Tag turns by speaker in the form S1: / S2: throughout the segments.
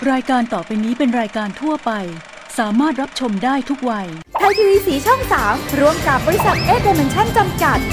S1: รายการต่อไปนี้เป็นรายการทั่วไปสามารถรับชมได้ทุกวัย
S2: ไทยทีวีสีช่อง 3ร่วมกับบริษัทเอเดเมนชั่นจำกัด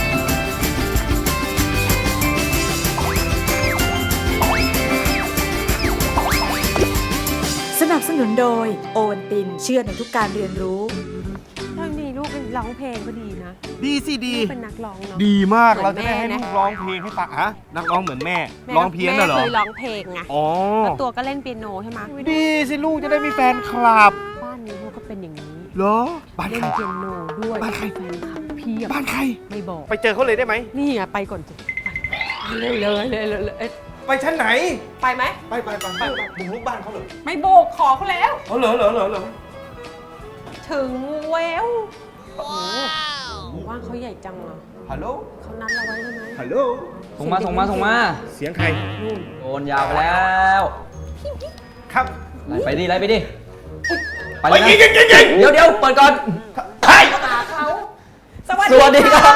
S2: สนับสนุนโดยโอวันตินเชื่อในทุกการเรียนรู้
S3: ถ้ามีลูกเป็นร้องเพลงก็ดีนะ
S4: ดีสิดี
S3: ลูกเป็นนักร้องเนาะ
S4: ดีมาก
S3: เหมื
S4: เรา
S3: อน
S4: จะได้ให้
S3: แม่
S4: ลู
S3: นะ
S4: กร้องเพลงให้ฟังฮะนักร้องเหมือนแม่ร้องเพี้ยนน่ะเหรอ
S3: แม่เคยร้องเพลงไง
S4: อ๋อ
S3: แล้วตัวก็เล่นเปียโนใช่ไหม
S4: ดีสิลูกจะได้มีแฟนคลับ
S3: บ้านนี้ลูกก็เป็นอย่างนี้
S4: เหรอบ้าน
S3: เล่
S4: ใคร
S3: นเปียโนด้วย
S4: บ้านใคร
S3: แฟนคลับเพียบ
S4: บ้านใคร
S3: ไม่บอก
S4: ไปเจอเขาเลยได้ไหม
S3: นี่ไงไปก่อนสิไปเร็วเลยเอ๊ะ
S4: ไปชั้นไหน
S3: ไปไหม
S4: ไปบุกรุกบ้านเขาเหรอ
S3: ไม่โบกขอเขาแล้ว
S4: อ๋อเหรอ
S3: ถึงแววโอ้โหว่านเขาใหญ่จังอ่ะ
S4: ฮัลโหล
S3: เขานัดเราไว้ใช่ไหม
S4: ฮัลโหล
S5: ส่งมา
S4: เสียงใคร
S5: โอนยาวไปแล้ว
S4: ครับ
S5: ไล่ไปดิไปเลย
S4: ไป
S5: นะ
S4: ยิง
S5: เดี๋ยวเปิดก่อน
S4: ใช่
S3: หาเขา
S5: สวัสดีครับ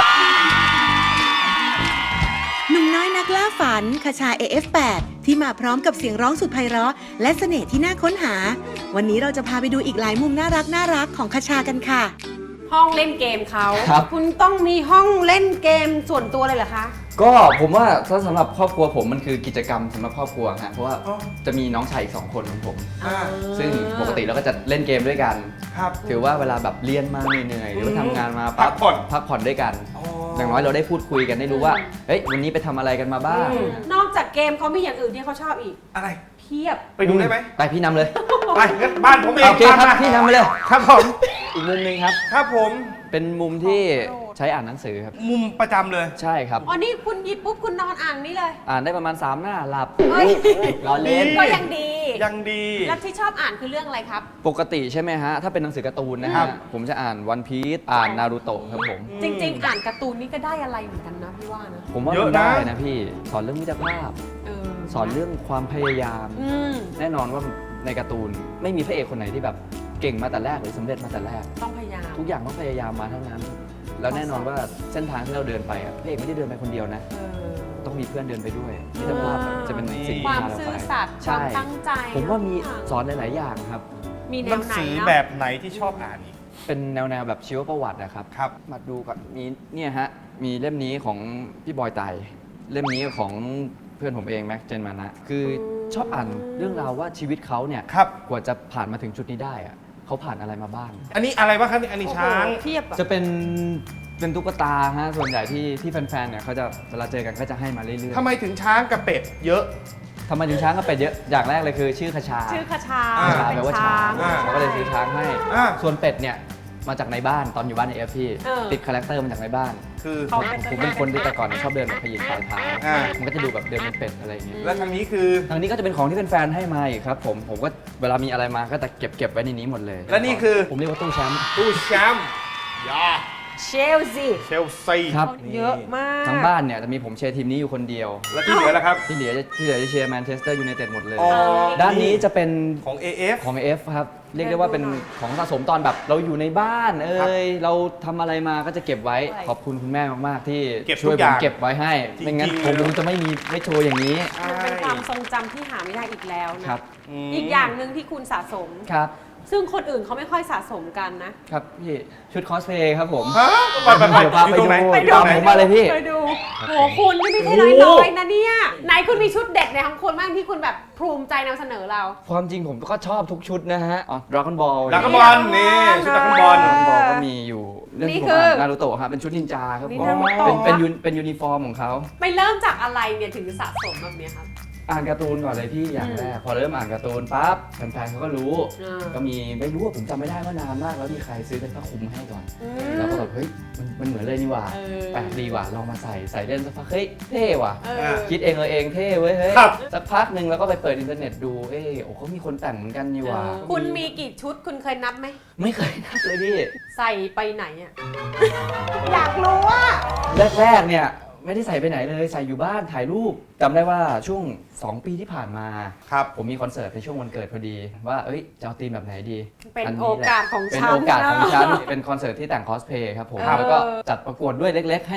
S6: หนุ่มน้อยนักล่าฝันคชา AF8 ที่มาพร้อมกับเสียงร้องสุดไพเราะและเสน่ห์ที่น่าค้นหา วันนี้เราจะพาไปดูอีกหลายมุมน่ารักของคชากันค่ะ
S3: ห้องเล่นเกมเขา
S5: ครับ
S3: คุณต้องมีห้องเล่นเกมส่วนตัวเลยเหรอคะ
S5: ก็ผมว่าถ้าสำหรับครอบครัวผมมันคือกิจกรรมสำหรับครอบครัวฮะเพราะว่าจะมีน้องชายอีก2 คนของผม ซึ่งปกติเราก็จะเล่นเกมด้วยกัน
S4: ครับ
S5: ถือว่าเวลาแบบเรียนมาเหนื่อยๆหรือว่าทำงานมา
S4: พักผ่อน
S5: พักผ่อนด้วยกัน อย่างน้อยเราได้พูดคุยกันได้รู้ว่าเฮ้ยวันนี้ไปทำอะไรกันมาบ้าง
S3: นอกจากเกมเขามีอย่างอื่นที่เขาชอบอีก
S4: อะไร
S3: เพียบ
S4: ไปดูได้ไหม
S5: ไปพี่นำเลย
S4: ไปงั้นบ้านผมเอง
S5: โอเคครับ
S4: ตามมา
S5: พี่นำไปเลย
S4: ครับผม
S5: อีกมุมหนึงครับ
S4: ครับผม
S5: เป็นมุมที่ใช้อ่านหนังสือครับ
S4: มุมประจำเลย
S5: ใช่ครับ
S3: อ๋อนี่คุณหยิบปุ๊บคุณนอนอ่านนี่เลย
S5: อ่านได้ประมาณ 3 หน้าหลับ
S3: เฮ้ย
S5: รอเล่น
S3: ก็ยังดี
S4: ยังดี
S3: แล้วที่ชอบอ่านคือเรื่องอะไรครับ
S5: ปกติใช่ไหมฮะ ถ้าเป็นหนังสือการ์ตูนนะฮะ ผมจะอ่านวันพีซอ่านนารูโตะครับผม
S3: จริง ๆ อ่านการ์ตูนนี่ก็ได้อะไรเหมือนกันนะพี่ว่านะ
S5: ผมว่า
S4: เย
S5: มั
S4: อะ
S5: น
S4: นะ
S5: ได้นะพี่ สอนเรื่องมิตรภาพ
S3: เออ
S5: สอนเรื่องความพยายาม
S3: อืม
S5: แน่นอนว่าในการ์ตูนไม่มีพระเอกคนไหนที่แบบเก่งมาแต่แรกหรือสำเร็จมาแต่แรก
S3: ต้องพยายาม
S5: ทุกอย่างต้องพยายามมาทั้งนั้น แล้วแน่นอนว่าเส้นทางที่เราเดินไปอะพระเอกไม่ได้เดินไปคนเดียวนะ
S3: เออ
S5: ต้องมีเพื่อนเดินไปด้วยมิตรภาพจะเป็นสิ่งที่
S3: ความ
S5: พาเรา
S3: ซื่
S5: ไป
S3: อสัตย์ค
S5: ใช่
S3: วามตั้งใจ
S5: ผมว่ามีสอนหลาย ๆ อย่างครับ
S3: มีแน
S4: หนั
S3: ว
S4: ง
S3: ไหน
S4: สือ
S3: เนาะ
S4: แบบไหนที่ชอบอ่านอีก
S5: เป็นแนวแบบชีวประวัตินะครับ
S4: ครับ
S5: มาดูก่อนมีเนี่ยฮะ มีเล่มนี้ของพี่บอยไตเล่มนี้ของเพื่อนผมเองแม็กเจนมานะ คือชอบอ่านเรื่องราวว่าชีวิตเขาเนี่ย
S4: ครับ
S5: กว่าจะผ่านมาถึงจุดนี้ได้อะเขาผ่านอะไรมาบ้าง
S4: อันนี้อะไรบ้างครับอันนี้
S3: โอ้โห
S4: ช้าง
S3: เทียบอะ
S5: จะเป็นตุ๊กตาฮะส่วนใหญ่ที่แฟนๆเนี่ยเขาจะเวลาเจอกันก็จะให้มาเรื่อยๆ
S4: ทำไมถึงช้างกับเป็ดเยอะ
S5: ทำไมถึงช้างกับเป็ดเยอะอย่างแรกเลยคือชื่อคชา
S3: ชื่อคชา
S4: อ่า
S5: คชาแปลว่าช้าง
S4: อ่า
S5: เขาก็เลยซื้อช้างให้
S4: อ่า
S5: ส่วนเป็ดเนี่ยมาจากในบ้านตอนอยู่บ้านในเอฟพี่
S3: เออ
S5: ติดคาแรคเตอร์มาจากในบ้าน
S4: คือ
S5: ผมเป็นคนที่แต่ก่อนชอบเดินแบบขยิบปลายเท้า
S4: อ่า
S5: มันก็จะดูแบบเดินเป็นเป็ดอะไรอย่างเงี้ย
S4: แล้วทางนี้คือ
S5: ทางนี้ก็จะเป็นของที่เป็นแฟนให้มาอีกครับผมก็เวลามีอะไรมาก็จะเก็บไว้ในนี้หมดเลย
S4: และนี่คือ
S5: ผมเรียกว่าตู้แชมป์
S4: ตู้แชมป์ยา
S3: เชลซี
S4: เชลซี
S5: ครับ
S3: เยอะมาก
S5: ทั้งบ้านเนี่ยจะมีผมเชียร์ทีมนี้อยู่คนเดียว
S4: แล้วที่เหลือล่ะครับ
S5: ที่เหลือจะเชียร์แมนเชสเตอร์ยูไนเต็ดหมดเลย
S4: อ๋อ
S5: ด้านนี้จะเป็น
S4: ของ AF
S5: ของ F ครับ เรียกได้ว่าเป็นของสะสมตอนแบบเราอยู่ในบ้านเราทำอะไรมาก็จะเก็บไว้ ขอบคุณคุณแม่มากๆ ที่
S4: เก็บทุ
S5: ช่วย
S4: กอ
S5: ผ
S4: ย่าม ง
S5: เก็บไว้ให้
S4: จริงๆ
S5: ไม่งั้น
S4: เลย
S5: ผมจะไม่มีไม่โชว์อย่างนี้
S3: มันเป็นความทรงจำที่หาไม่ได้อีกแล้วนะครับ อีกอย่างหนึ่งที่คุณสะสม
S5: ครับ
S3: ซึ่งคนอื่นเขาไม่ค่อยสะสมกันนะ
S5: ครับพี่ชุดคอสเพลย์ครับผม
S4: ฮะไป
S5: เดี๋ยวพาไป
S4: อยู่ตรงไหน
S5: ดู
S4: อยู่ตรงไหน
S5: ผมมาเลยพี่
S3: ไปดูโหคุณนี่ไม่ใช่น้อยๆนะเนี่ย ไหนคุณมีชุดเด็ดในของคุณบ้างที่คุณแบบภูมิใจนำเสนอเรา
S5: ความจริงผมก็ชอบทุกชุดนะฮะอ๋อดราก้อนบอล
S4: ดราก้อนบอลนี่ชุดดราก้อนบอล
S5: ดราก้อนบอลก็มีอยู่เรื่อง
S3: นี่
S5: ที่ผม
S3: คือ
S5: อ่านนารูโตะครับเป็นชุดนินจาครับ
S3: นี่
S5: ผม
S3: นารูโตะ
S5: เป็นยูนิฟอร์มของเขา
S3: ไปเริ่มจากอะไรเนี่ยถึงสะสมแบบเนี้ยครับ
S5: อ่านการ์ตูนก่อนเลยพี่อย่างแรกพอเริ่มอ่านการ์ตูนปั๊บแฟนๆเขาก็รู้
S3: อ่า
S5: ก็มีไม่รู้ว่าผมจำไม่ได้ว่านานมากแล้วมีใครซื้อเป็นผ้าคลุมให้ก่อน
S3: อืม
S5: แล้วก็แบบเฮ้ยมันเหมือนเลยนี่หว่า
S3: เออ
S5: แปลกดีว่ะลองมาใส่เล่นสักพักเฮ้ยเท่ว่ะ
S3: เออ
S5: คิดเองเองเท่เว้ยเฮ้ย
S4: ครับ
S5: สักพักหนึ่งแล้วก็ไปเปิดอินเทอร์เน็ตดูโอ้เขามีคนแต่งเหมือนกันนี่หว่า
S3: คุณมีกี่ชุดคุณเคยนับไหม
S5: ไม่เคยนับเลยพี่
S3: ใส่ไปไหนอ่ะ อยากรู้ว่า
S5: แรกๆเนี่ยไม่ได้ใส่ไปไหนเลยใส่อยู่บ้านถ่ายรูปจำได้ว่าช่วง 2 ปีที่ผ่านมา
S4: ครับ
S5: ผมมีคอนเสิร์ตในช่วงวันเกิดพอดี ว่าเอ้ยจะเอาธีมแบบไหนดี
S3: เป็น
S5: อั
S3: โอกาสของ
S5: เป็น
S3: ฉัน
S5: โอกาสของ
S3: นะ
S5: ฉันเป็นคอนเสิร์ตที่แต่งคอสเพย์ครับผม
S3: เออ
S5: แล้วก็จัดประกวดด้วยเล็ก ๆ ให้แบบ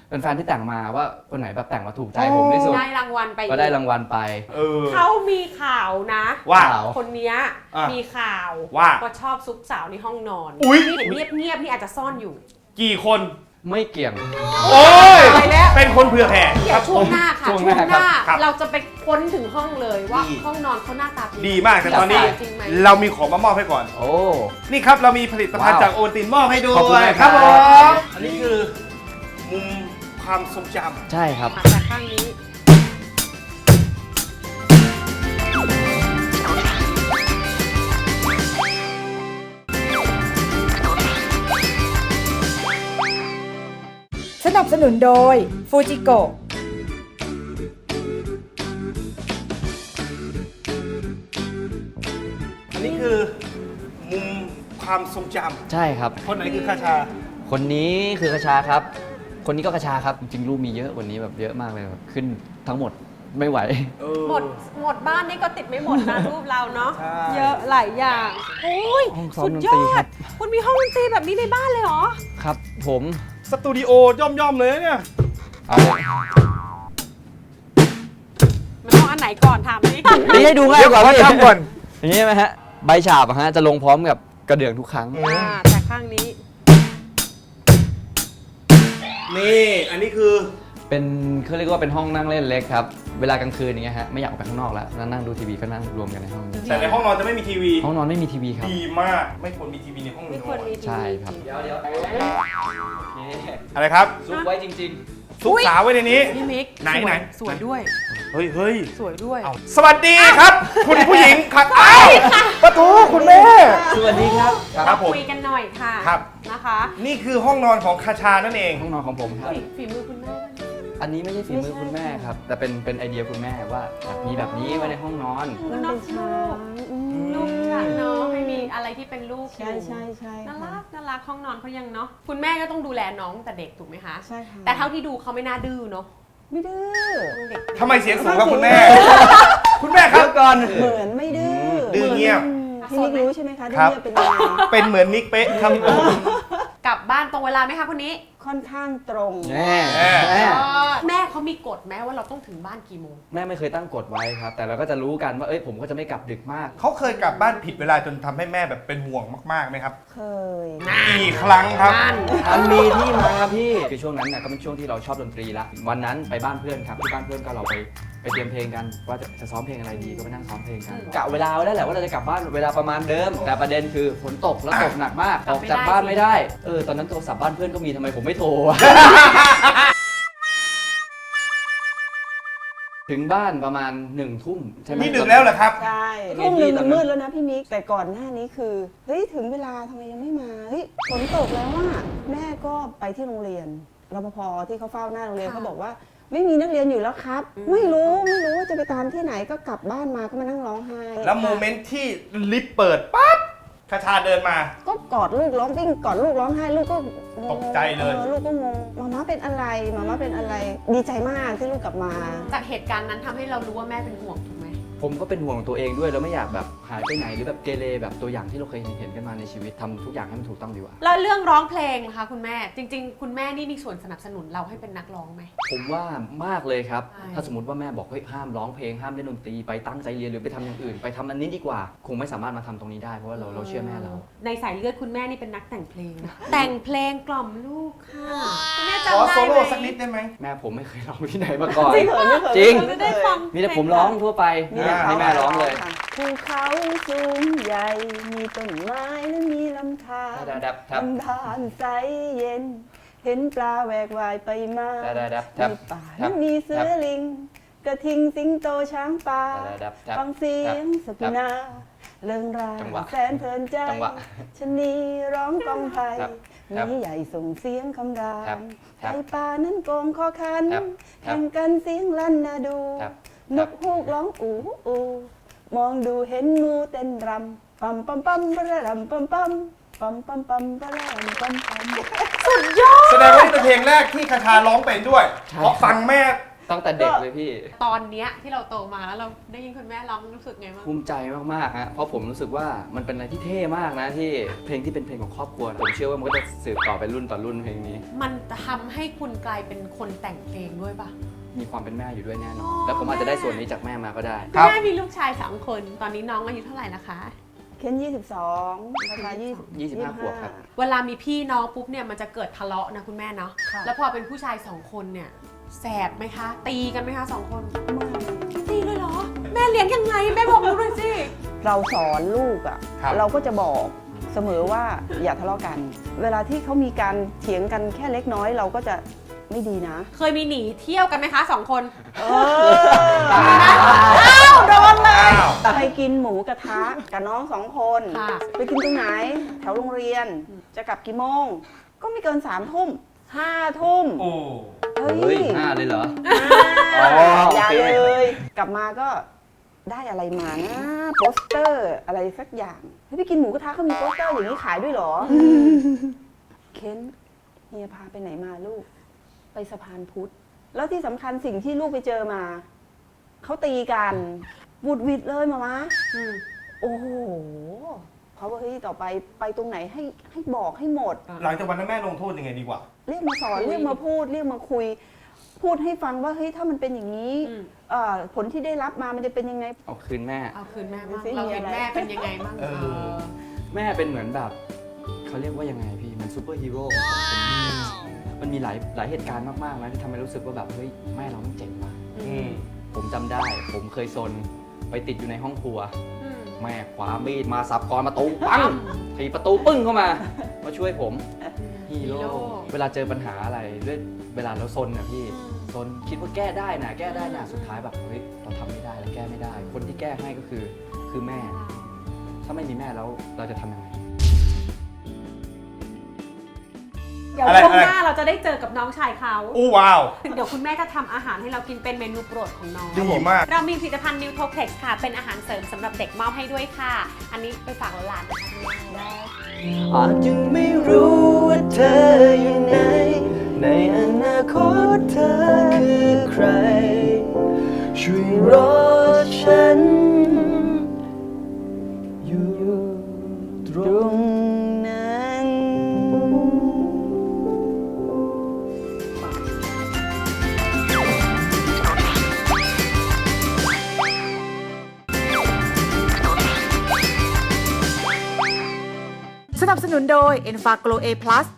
S5: เป็นแฟนที่แต่งมาว่าคนไหนแบบแต่งมาถูกใจผมที่สุด
S3: ได้รางวัลไป
S5: ก็ได้รางวัลไป
S3: เขามีข่าวนะ
S4: ว่า
S3: คนเนี้ย
S4: อ่ะ
S3: มีข่าว
S4: ว่า
S3: ชอบซุกสาวในห้องนอน
S4: อุ๊ย
S3: นี่เห็นเงียบๆนี่อาจจะซ่อนอยู่
S4: กี่คน
S5: ไม่เกี่ยง
S4: โอ้ย
S3: ไปแล้ว
S4: เป็นคนเผื่อแผ่
S3: เดี๋ยวช่วงหน้าค่ะ
S5: ช่วง
S3: ช่วง
S5: หน้า
S3: หน้า
S4: ครับ
S3: เราจะไปค้นถึงห้องเลยว่า
S4: ดี
S3: ห้องนอนเขาหน้าตาเป็น
S4: ดีมากแต่ตอนนี้
S3: จริงไหม
S4: เรามีของมามอบให้ก่อน
S5: โอ้
S4: นี่ครับเรามีผลิตภัณฑ์
S5: ว้าว
S4: จากโอวัลตินมอบให้ด้ว
S5: ขอบคุณ
S4: ย
S5: มาก
S4: ค
S5: ครั
S4: รับบ ผมอันนี้คือมุมความทรงจ
S5: ใช่ครับ
S3: มาจากข้างนี้
S2: สนับสนุนโดยฟูจิโกะ
S4: ำอันนี้คือมุมความทรงจ
S5: ใช่ครับ
S4: ำคนไหนคือคาชา
S5: คนนี้คือกระชาครับ คนนี้ก็กระชาครับ จริงๆรูปมีเยอะกวันนี้แบบเยอะมากเลยแบบขึ้นทั้งหมดไม่ไหว
S3: หมดบ้านนี่ก็ติดไม่หมดนะ รูปเราเนาะ
S4: ใช่
S3: เยอะหลายอย่างโอ้ย
S5: ห้องซ้อม
S3: สุดย
S5: ดนตรี
S3: อ
S5: ครั
S3: ด
S5: บ
S3: คุณมีห้องดนตรีแบบนี้ในบ้านเลยเหรอ
S5: ครับ ผม
S4: สตูดิโอย่อมๆเลยนะเนี่ย
S5: เอา
S3: มันต้องอันไหนก่อนถามนี่
S5: นี่ให้ดูง่ายกว่า
S4: เดี๋ยวขอทำก่อน
S5: อย่างนี้ไหมฮะ ใบฉาบอะฮะจะลงพร้อมกับกระเดื่องทุกครั้ง
S3: แต่ข้างนี้
S4: นี่อันนี้คือ
S5: เป็นเขาเรียกว่าเป็นห้องนั่งเล่นเล็กครับ เวลากลางคืนอย่างเงี้ยฮะไม่อยากออกไปข้างนอกแล้วนั่งดูทีวีก็นั่งรวมกันในห้องนี้
S4: แต่ในห้องนอนจะไม่มีทีวี
S5: ห้องนอนไม่มีทีวีครับ
S4: ดีมากไม่ควรมีทีวีในห้องน
S3: ไม่
S4: อ
S3: ควร
S4: น
S3: มีทีวี
S5: ใช่ครับ เดี๋ยว
S4: อะไรครับ
S5: ซุกไว้จริง
S4: ซุกสาวไว้ในนี้
S3: พี่มิก
S4: ไหน
S3: สวย
S4: ไหน
S3: สวยด้วย
S4: เฮ้ย
S3: สวยด้วย
S4: สวัสดีครับ คุณผู้หญิงครับอ้าวปะทูคุณแม่
S5: ๆ สวัสดีครับ
S4: ครับผม
S3: คุยกันหน่อยค่ะ
S4: ครับ
S3: นะคะ
S4: นี่คือห้องนอนของคาชานั่นเอง
S5: ห้องนอนของผมครับ
S3: ฝีมือคุณแม่ด้วยนะ
S5: อันนี้ไม่ใช่ฝีมือคุณแม่ครับ แต่เป็นไอเดียคุณแม่ว่าอยากมีแบบนี้ไว้ในห้องนอน
S3: คุณนอกลูกอะเนาะให้มีอะไรที่เป็นลูกอยู่
S7: ใช่
S3: น่ารักห้องนอนเขายังเนาะคุณแม่ก็ต้องดูแลน้องแต่เด็กถูกไหมคะ
S7: ใช่ค่ะ
S3: แต่เท่าที่ดูเขาไม่น่าดื้อเนาะ
S7: ไม่ดื้อ
S3: เด็ก
S4: ทำไมเสียงสูงครับคุณแม่ คุณแม่ครับ
S5: ก่อน
S7: เหมือนไม่ดื้อ
S4: ดื้อเงียบ
S7: พี่นิกรู้ใช่ไหมคะดื้
S4: ครั
S7: อบ เงียบเป็นยังไง
S4: เป็นเหมือนนิกเป๊ะครับผม
S3: กลับบ้านตรงเวลาไหมคะคนนี้
S7: ค่อนข้างตรง
S5: แม่
S3: แม่เขามีกฎไหมว่าเราต้องถึงบ้านกี่โมง
S5: แม่ไม่เคยตั้งกฎไว้ครับ แต่เราก็จะรู้กันว่าผมก็จะไม่กลับดึกมาก
S4: เขาเคยกลับบ้านผิดเวลาจนทำให้แม่แบบเป็นห่วงมากๆไหมครับ
S7: เคย
S4: กี่ครั้งครับ
S5: มันมีที่มาพี่คือช่วงนั้นน่ะก็เป็นช่วงที่เราชอบดนตรีละวันนั้นไปบ้านเพื่อนครับที่บ้านเพื่อนก็เราไปเตรียมเพลงกันว่าจะซ้อมเพลงอะไรดีก็ไปนั่งซ้อมเพลงกันกะเวลาไว้แล้วแหละว่าเราจะกลับบ้านเวลาประมาณเดิม แต่ประเด็นคือฝนตกแล้วตกหนักมากออกจากบ้านไม่ได้ตอนนั้นโทรศัพท์บ้านเพื่อนก็มีทำไมผมไม่โทรวะ ถึงบ้านประมาณ1 ทุ่มใช่ไหม
S4: นี่ดึกแล้วเหรอครับ
S7: ใช่
S5: ไง
S7: ทุ่มหนึ่ง
S5: พี่ตอนนั้น
S7: มืดแล้วนะพี่มิก แต่ก่อนหน้านี้คือ เฮ้ยถึงเวลาทำไมยังไม่มา เฮ้ยฝนตกแล้วว่าแม่ก็ไปที่โรงเรียนรปภที่เขาเฝ้าหน้าโรงเรียนเขาบอกว่า ไม่มีนักเรียนอยู่แล้วครับ ไม่รู้ว่าจะไปตามที่ไหนก็กลับบ้านมาก็มานั่งร้องไห้
S4: แล้วโมเมนต์ที่ลิฟต์เปิดปั๊บคาชาเดินมา
S7: ก็กอดลูกร้องวิ่งกอดลูกร้องไห้ลูกก็งง
S4: ตกใจเลย
S7: ลูกก็งงมาม่าเป็นอะไรมาม่าเป็นอะไร ดีใจมากที่ลูกกลับมา
S3: จากเหตุการณ์นั้นทำให้เรารู้ว่าแม่เป็นห่วงถูกไหม
S5: ผมก็เป็นห่วงตัวเองด้วยแล้วไม่อยากแบบหายไปไหนหรือแบบเกเรแบบตัวอย่างที่เราเคยเห็นกันมาในชีวิตทำทุกอย่างให้มันถูกต้องดีกว่า
S3: แล้วเรื่องร้องเพลงนะคะคุณแม่จริง ๆ คุณแม่นี่มีส่วนสนับสนุนเราให้เป็นนักร้องไหม
S5: ผมว่ามากเลยครับ
S3: ใช่
S5: ถ้าสมมติว่าแม่บอกเฮ้ยห้ามร้องเพลงห้ามเล่นดนตรีไปตั้งใจเรียนหรือไปทำอย่างอื่น ไปทำอันนี้ดีกว่า คงไม่สามารถมาทำตรงนี้ได้เพราะว่าเราเชื่อแม่เรา
S3: ในสายเลือดคุณแม่นี่เป็นนักแต่งเพลงนะแต่งเพลงกล่อมลูกค่ะคุณแม่
S4: ขอ
S3: จำได้
S4: โซ
S3: ไหม
S4: โล่สักนิดได้ไหม
S5: แม่ผมไม่เคยร้องที่ไหนมาก่อน
S7: ไม่เคย
S5: จริง
S3: จะได้ฟัง
S5: มีแต่ผมร้องทั่วไปนี่แหละให้แม่ร้องเลย
S7: ภูเขาสูงใหญ่ มีต้นไม้และมีลำธาร
S5: ดับทับ
S7: ลำธารใสเย็น เห็นปลาแหวกว่ายไปมา
S5: ดับทับ
S7: มีป่าและมีเสือลิง กระทิงสิงโตช้างป่า
S5: ดับ
S7: ฟังเสียงสกุณาเริงราง
S5: จังหวะ
S7: แสนเพลินใจ
S5: จังหวะ
S7: ชะนีร้องกองไผ่
S5: ครับ
S7: มีใหญ่ส่งเสียงคำราม
S5: ครั
S7: ไก่
S5: บ
S7: ป่านั้นโกงคอคัน
S5: ครับ
S7: แข่งกันเสียงลั่นนาดู
S5: ครับ
S7: นกฮูกร้องอูอูมองดูเห็นงูเต้นรำปั๊มปั๊มปั๊มปะระรำปั๊มปั๊มปั๊มปั๊มปั๊มปะระรำปั๊มปั๊ม
S4: แสดงว่านี่เป็นเพลงแรกที่คาชาร้องเป็นด้วย
S5: ใช่
S4: เพราะฟังแม่
S5: ตั้งแต่เด็กเลยพี่
S3: ตอนเนี้ยที่เราโตมาแล้วเราได้ยินคุณแม่ร้องรู้สึกไงบ้าง
S5: ภูมิใจมากๆฮะเพราะผมรู้สึกว่ามันเป็นอะไรที่เท่มากนะที่เพลงที่เป็นเพลงของครอบครัวผมเชื่อว่ามันก็จะสืบต่อไปรุ่นต่อรุ่นเพลงนี้
S3: มันทำให้คุณกลายเป็นคนแต่งเพลงด้วยป่ะ
S5: มีความเป็นแม่อยู่ด้วยแน่น
S3: อ๋
S5: อ
S3: อน
S5: แล้วผมอาจจะได้ส่วนนี้จากแม่มาก็ได้
S3: คุณแม่มีลูกชาย2 คน ตอนนี้น้องอายุเท่าไหร่นะคะ
S7: เคน22ราคา
S5: 25 ขวบครับ
S3: เวลามีพี่น้องปุ๊บเนี่ยมันจะเกิดทะเลาะนะคุณแม่เนาะ
S7: ค่ะ
S3: แล้วพอเป็นผู้ชาย2 คนเนี่ยแสบไหมคะ ตีกันไหมคะ2 คน ตีเลยเหรอ แม่เลี้ยงยังไงแม่บอกหนูหน่อยสิ
S7: เราสอนลูกอ่ะ
S4: ครับ
S7: เราก็จะบอกเสมอว่าอย่าทะเลาะกัน เวลาที่เขามีการเถียงกันแค่เล็กน้อยเราก็จะไม่ดีนะ
S3: เคยมีหนีเที่ยวกันไหมคะ2 คน
S7: โดนเลย
S4: อ้าว
S7: ไปกินหมูกระทะกับน้อง2 คน
S3: ค่ะ
S7: ไปกินตรงไหน แถวโรงเรียน จะกลับกี่โมง ก็ไม่เกิน3 ทุ่ม5 ทุ่ม
S4: โอ้
S7: เฮ้
S5: เฮ้ย
S7: ย
S5: 5เลยเหรอ
S7: อ่า
S5: อ๋อโอเค
S7: อย่าเลย กลับมาก็ได้อะไรมานะโปสเตอร์อะไรสักอย่างเฮ้ยไปกินหมูกระทะเขามีโปสเตอร์อย่างนี้ขายด้วยเหรอเค้นเฮียพาไปไหนมาลูก ไปสะพานพุทธ แล้วที่สำคัญสิ่งที่ลูกไปเจอมา เขาตีกันวุดวิดเลยมามะ
S3: อืม
S7: โอ้โหเขาบอกเฮ้ยต่อไปไปตรงไหนให้บอกให้หมด
S4: หลังจากวันนั้นแม่ลงโทษยังไงดีกว่า
S7: เรียกมาสอน
S3: คุย
S7: เรียกมาพูดเรียกมาคุย พูดให้ฟังว่าเฮ้ยถ้ามันเป็นอย่างนี้
S3: อืม
S7: ผลที่ได้รับมามันจะเป็นยังไง
S5: เอาคืนแม่
S3: เอาคืนแม่บ้าง
S7: ดูสิ
S3: เราเห็น
S7: มีอะไร
S3: แม่เป็นยังไงบ้าง
S4: เออ
S5: แม่เป็นเหมือนแบบเขาเรียกว่ายังไงพี่เหมันซูเปอร์ฮีโร่มันมีหลายเหตุการณ์มากๆนะที่ทำให้รู้สึกว่าแบบเฮ้ยแม่เราต้องเจ๋งว่ะ
S4: อืม
S5: ผมจำได้ ผมเคยซนไปติดอยู่ในห้องครัว
S3: อืม
S5: แม่คว้ามีดมาสับกรประตูปังถีบประตูปึ้งเข้ามาช่วยผมฮีโร่เวลาเจอปัญหาอะไรด้วยเวลาเราซนนะพี่ซนคิดว่าแก้ได้นะแก้ได้นะสุดท้ายแบบเฮ้ยเราทำไม่ได้แล้วแก้ไม่ได้ คนที่แก้ให้ก็คือแม่ ถ้าไม่มีแม่แล้วเราจะทำยังไง
S3: เดี๋ยว
S4: อะไร
S3: ช่วง
S4: อะไร
S3: หน้าเราจะได้เจอกับน้องชายเขา
S4: อู้ว้าว
S3: เดี๋ยวคุณแม่จะทำอาหารให้เรากินเป็นเมนูโปรดของน้อง
S4: ดีมาก
S3: เรามีผลิตภัณฑ์ n e w t o p l e x ค่ะ เป็นอาหารเสริมสำหรับเด็กมอบให้ด้วยค่ะ อันนี้ไปฝากหลานๆนะคะคุณแม่
S5: อาจยังไม่รู้ว่าเธออยู่ไหนในอนาคตเธอคือใคร ช่วยรอฉัน อยู่ตร
S7: ตรง งนั้น
S2: สนับสนุนโดย e n f a g l o A+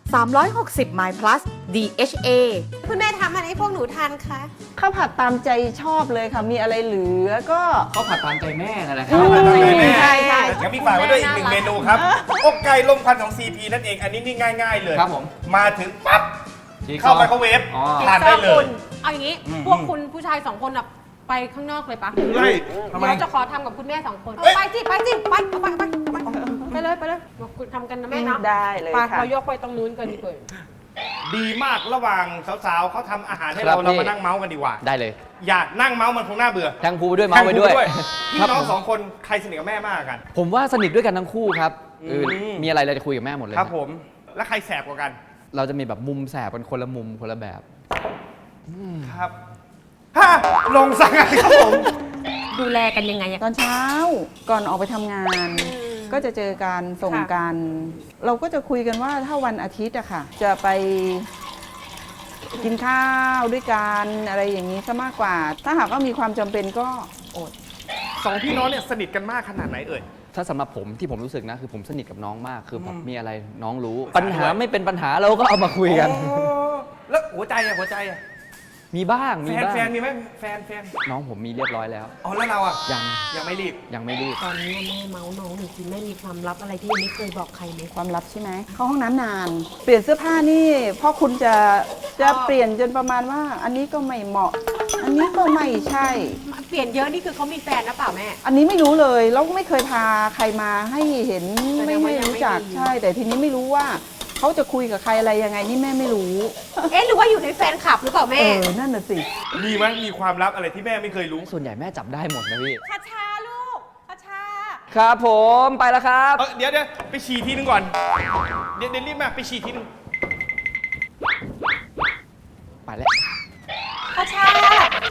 S2: 360 My Plus DHA
S3: คุณแม่ทำอะไรให้พวกหนูทานคะ
S7: ข้าวผัดตามใจชอบเลยค่ะ มีอะไรเหลือก็
S5: เขาผัดตามใจแม่นั่นแหละค
S7: อื
S5: รับ
S7: ม
S4: แม่
S7: ใช่ใช่
S4: งั้นพี่ฝากไว้ด้วยอีก1 เมนูครับอกไก่ลมควันของ CP นั่นเอง อันนี้นี่ง่าย ๆ เลย
S5: ครับผม
S4: มาถึงปั๊บ
S5: ชีส
S4: เข้าไมโครเวฟ
S5: อ๋อ
S4: ทานได้เลย
S3: เอาอย่างนี้
S4: อืม
S3: พวกคุณผู้ชาย2 คนอะไปข้างนอกเลยปะ
S4: ไล่ทำไม
S3: เดี๋ยวจะขอทำกับคุณแม่2 คน
S4: เอ้ย
S3: ไปสิไปสิไปเลยไปเลยบอกคุณทำกันนะแม่เนาะ
S7: ได้เลย
S3: ไป
S7: ค่ะ
S3: เรายกไปตรงนู้นกันดีกว่า
S4: ดีมากระหว่างสาวๆเขาทำอาหารให้
S5: ครั
S4: เรา
S5: บ
S4: เรา
S5: พี่
S4: มานั่งเมาส์กันดีกว่า
S5: ได้เลย
S4: อยากนั่งเมาส์มันคงน่าเบื่อ
S5: แทงพูไปด้วยเมาส์ไปด้วย
S4: พี่
S5: ครับ
S4: น้อง
S5: ผม
S4: สองคนใครสนิทกับแม่มากกว่ากัน
S5: ผมว่าสนิทด้วยกันทั้งคู่ครับ
S4: อืม
S5: มีอะไรเราจะคุยกับแม่หมดเลย
S4: ครับผม แล้วใครแสบกว่ากัน
S5: เราจะมีแบบมุมแสบกันคนละมุมคนละแบบ
S4: ครับฮะลงสั่งอะไรครับผม
S3: ดูแลกันยังไงอะ
S7: ตอนเช้าก่อนออกไปทำงาน ก็จะเจอการส่ง
S3: ค่ะ
S7: กัน เราก็จะคุยกันว่าถ้าวันอาทิตย์อะค่ะ จะไปกินข้าวด้วยกันอะไรอย่างนี้ซะมากกว่า ถ้าหากว่ามีความจำเป็นก็อด
S4: สองพี่น้องเนี่ยสนิทกันมากขนาดไหนเอ่ย
S5: ถ้าสำหรับผมที่ผมรู้สึกนะคือผมสนิทกับน้องมากคือแบบ
S4: อืม
S5: มีอะไรน้องรู้
S4: ปรึกษา
S5: ปัญหา
S4: ด้วย
S5: ไม่เป็นปัญหาเราก็เอามาคุยกัน
S4: อ๋อแล้วหัวใจอะหัวใจอะ
S5: มีบ้างมีบ้าง
S4: แฟนมีไหมแฟน
S5: น้องผมมีเรียบร้อยแล้ว
S4: อ๋อแล้วเราอะ
S5: ยัง
S4: ยังไม่รีบ
S5: ยังไม่รีบ
S3: ตอนนี้แม่เมาส์น้องหนูจริงแม่มีความลับอะไรที่ยังไม่เคยบอกใครไหม
S7: ความลับใช่ไหมเข้าห้องน้ำนาน เปลี่ยนเสื้อผ้านี่พ่อคุณจะเปลี่ยนจนประมาณว่า อันนี้ก็ไม่เหมาะ อันนี้ก็ไม่ใช่
S3: เปลี่ยนเยอะนี่คือเขามีแฟนนะเปล่าแม่
S7: อันนี้ไม่รู้เลยแล้วไม่เคยพาใครมาให้เห็น
S3: แสด
S7: ไม่
S3: งว่า
S7: ให้
S3: ยังไม่
S7: รู้จัก
S3: มี
S7: ใช่ แต่ทีนี้ไม่รู้ว่าเขาจะคุยกับใครอะไรยังไงนี่แม่ไม่รู้
S3: เอ๊ะหรือว่าอยู่ในแฟนคลับหรือเปล่าแม่
S7: นั่นน่ะสิ
S4: มีไหมมีความลับอะไรที่แม่ไม่เคยรู้
S5: ส่วนใหญ่แม่จับได้หมดนะพี่
S3: คาชาลูกคาชา
S5: ครับผมไปแล้วครับ
S4: เดี๋ยวไปฉี่ทีนึงก่อน เดี๋ยวรีบมาไปฉี่ทีนึง
S5: ไปแล้ว
S3: คาชา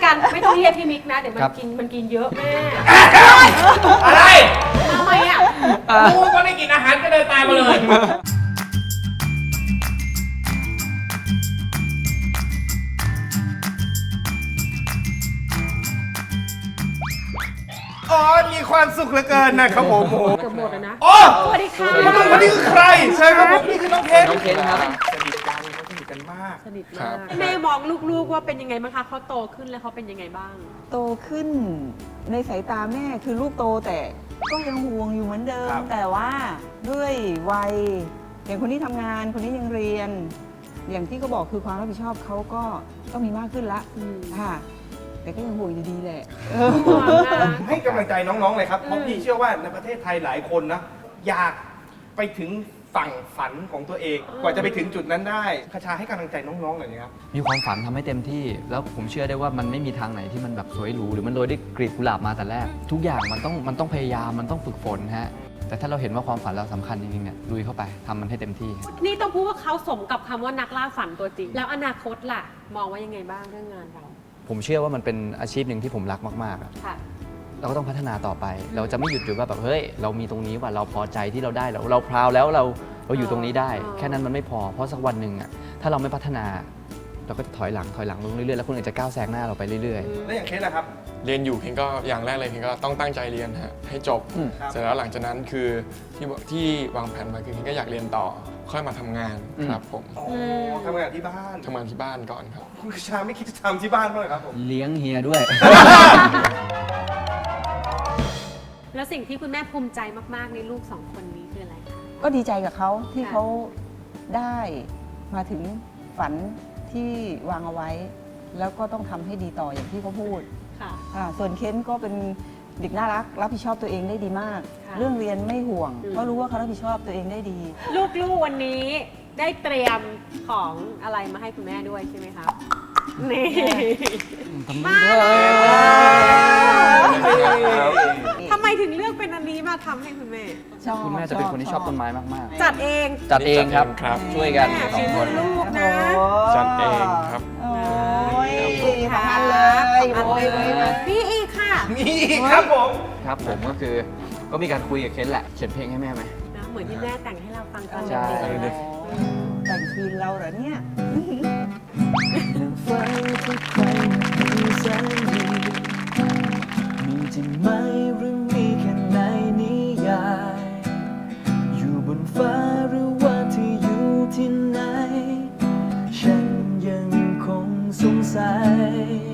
S3: กันไม่ต้องเรียกพี่มิกนะเดี๋ยวมัน
S5: ครับ
S3: กินเยอะแม่
S4: อะไร
S3: ทำไมอ่ะ
S4: กูก็ได้กินอาหารก็เดินตามมาเลย อ๋อ มีความสุขเหลือเกินนะครับผมโอ้โห
S3: เกือบหมดแล้วนะ
S4: โอ้
S3: สวัสดีค่ะ
S4: วันนี้คือใคร ใช่ครับผม นี่คือน้องเคน
S5: น้องเคนครับ
S4: สนิทกันเขาสนิทกันมาก
S3: สนิทมากแม่มองลูกๆว่าเป็นยังไงบ้างคะเขาโตขึ้นแล้วเขาเป็นยังไงบ้าง
S7: โตขึ้นในสายตาแม่คือลูกโตแต่ก็ยังห่วงอยู่เหมือนเดิม
S4: ครับ
S7: แต่ว่าด้วยวัยอย่างคนนี้ทำงานคนนี้ยังเรียน อย่างที่เขาบอกคือความรับผิดชอบเขาก็ต้องมีมากขึ้นละ
S3: อืม
S7: ค่ะแต่ก็ยังห่วงอยู่ดีแหละ
S3: ห่วงนะ
S4: ให้กำลังใจน้องๆเลยครับ เพราะพี่เชื่อว่าในประเทศไทยหลายคนนะ อยากไปถึงฝั่งฝันของตัวเอง กว่าจะไปถึงจุดนั้นได้คชาให้กำลังใจน้องๆหน่อยนะครับ
S5: มีความฝันทำให้เต็มที่ แล้วผมเชื่อได้ว่ามันไม่มีทางไหนที่มันแบบสวยหรูหรือมันโรยด้วยกลีบกุหลาบมาแต่แรก ทุกอย่างมันต้องพยายามมันต้องฝึกฝนฮะแต่ถ้าเราเห็นว่าความฝันเราสำคัญจริงๆเนี่ยลุยเข้าไปทำมันให้เต็มที่ฮะ
S3: นี่ต้องพูดว่าเขาสมกับคำว่านักล่าฝันตัวจริง แล้วอนาคตล่ะ มองว่ายังไงบ้างเรื่องงานเรา
S5: ผมเชื่อว่ามันเป็นอาชีพหนึ่งที่ผมรักมากๆอะ
S3: ค่ะ
S5: เราก็ต้องพัฒนาต่อไป เราจะไม่หยุดอยู่ว่าแบบเฮ้ยเรามีตรงนี้ว่าเราพอใจที่เราได้เราพราวแล้วเราอยู่ตรงนี้ได้
S3: อ๋อ
S5: แค่นั้นมันไม่พอเพราะสักวันหนึ่งอะถ้าเราไม่พัฒนาเราก็จะถอยหลังลงเรื่อยๆแล้วคนอื่นจะก้าวแซงหน้าเราไปเรื่อยๆ
S4: แล้วอย่างเคสล่ะครับ
S8: เรียนอยู่เคนก็อย่างแรกเลยเคนก็ต้องตั้งใจเรียนฮะให้จบ
S4: ครับ
S8: เสร็จแล้วหลังจากนั้นคือที่วางแผนมาคือเคนก็อยากเรียนต่อค่อยมาทำงานครับผม
S4: อ๋อทำงานที่บ้าน
S8: ทำงานที่บ้านก่อนครับ
S4: คุณคชาไม่คิดจะทำที่บ้านบ้างเหรอครับผม
S5: เลี้ยงเฮียด้วย
S3: แล้วสิ่งที่คุณแม่ภูมิใจมากๆในลูกสองคนนี้คืออะไรคะ
S7: ก็ดีใจกับเขาที่
S3: ค่ะ
S7: เขาได้มาถึงฝันที่วางเอาไว้ แล้วก็ต้องทำให้ดีต่ออย่างที่เขาพูด
S3: ค่ะ
S7: ค่ะส่วนเคนก็เป็นเด็กน่ารักรับผิดชอบตัวเองได้ดีมาก
S3: ค่ะ
S7: เรื่องเรียนไม่ห่วง
S3: อืม
S7: เพราะรู้ว่าเขารับผิดชอบตัวเองได้ดี
S3: ลูกๆวันนี้ได้เตรียมของอะไรมาให้คุณแม่ด้วยใช่ไหมคะ นี่ ทำไมถึงเลือกเป็นอันนี้มาทำให้คุณแม่
S7: ชอบ
S5: คุณแม่จะเป็นคนที่ชอบต้นไม้มาก
S3: จัดเอง
S5: ๆ จัดเองครับ
S8: ครับ
S5: ช่วยกัน
S3: แม่
S5: สองคน
S3: ฝีมือลูกนะ
S8: จัดเองครับ
S7: โอ้ย
S3: ค่ะ
S7: ทำงานเลย
S3: ทำงานเลย
S7: โอ้ย
S3: พี่อีกค่ะ
S4: มีครับผม
S5: ครับผมก็คือก็มีการคุยกับเคนแหละเขียนเพลงให้แม่ไหม
S3: นะเหมือนที่แม่แต่งให้เราฟังตอน
S5: ใช่
S3: เด็ก
S7: แต่งคืนเราเหรอเนี่ย
S9: ฝันที่ใครมีแสนดีมีจริงไหมหรือมีแค่ในนิยาย อยู่บนฟ้าหรือว่าที่อยู่ที่ไหน ฉันยังคงสงสัย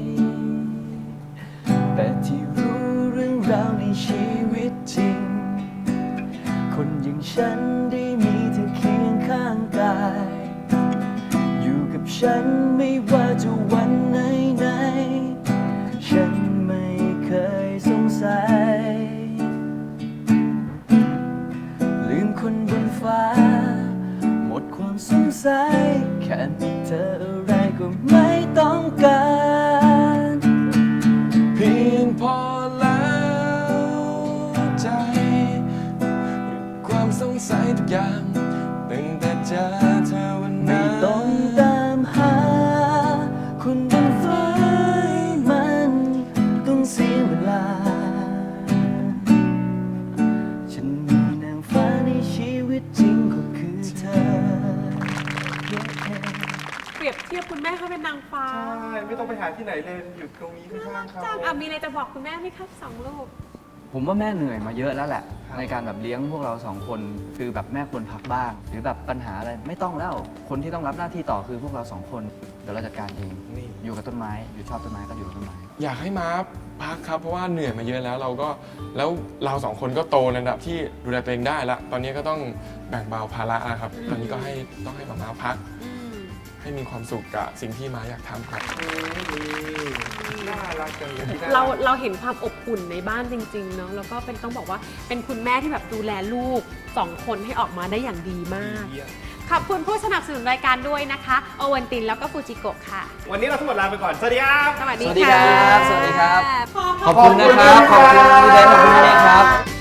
S9: แต่ที่รู้เรื่องราวในชีวิตจริง คนอย่างฉันได้มีเธอเคียงข้างกาย อยู่กับฉันไม่ว่าจะวันไหนๆฉันไม่เคยสงสัย ลืมคนบนฟ้า หมดความสงสัย แค่มีเธออะไรก็ไม่ต้องการ
S8: เพียงพอแล้วใจหยุดความสงสัยทุกอย่างตั้งแต่เจอเธอวัน
S9: ไม่
S8: นั้น
S9: ต้องตามหา คนบนฟ้าให้มันต้องเสียเวลา ฉันมีนางฟ้าในชีวิตจริงก็คือเธอ
S3: เปรียบเทียบคุณแม่เขาเป็นนางฟ้า
S4: ใช่ ไม่ต้องไปหาที่ไหนเลย อยู่ตรงนี้ข้างๆเขา
S3: จังมีอะไรจะบอกคุณแม่ไหมคะสองลูก
S5: ผมว่าแม่เหนื่อยมาเยอะแล้วแหละ ในการแบบเลี้ยงพวกเราสองคนคือแบบแม่ควรพักบ้าง หรือแบบปัญหาอะไรไม่ต้องแล้ว คนที่ต้องรับหน้าที่ต่อคือพวกเราสองคนเดี๋ยวเราจัดการเอง
S8: นี่
S5: อยู่กับต้นไม้อยู่ชอบต้นไม้ก็อยู่กับต้นไม้
S8: อยากให้มาพักครับเพราะว่าเหนื่อยมาเยอะแล้วแล้วเราสองคนก็โตในระดับที่ดูแลตัวเองได้ละตอนนี้ก็ต้องแบ่งเบาภาระแล้วครับ ตอนนี้ก็ต้องให้มาพัก ให้มีความสุขกับสิ่งที่มาอยากทำครับ
S4: น่ารักจังเลย
S3: เราเห็นความอบอุ่นในบ้านจริงๆเนาะแล้วก็เป็นต้องบอกว่าเป็นคุณแม่ที่แบบดูแลลูกสองคนให้ออกมาได้อย่างดีมาก ขอบคุณผู้สนับสนุนรายการด้วยนะคะโอวันตินแล้วก็ฟูจิโกะค่ะ
S4: วันนี้เราทั้งหมดลาไปก่อน สวัสดีครับ
S3: สวัสดี
S5: สวัสดี
S3: ค่ะ
S5: ครับสวัสดีครับ
S3: พ่อ
S5: ขอบคุณนะครับ ขอบคุณพี่เบนขอบคุณพี่เนยครับ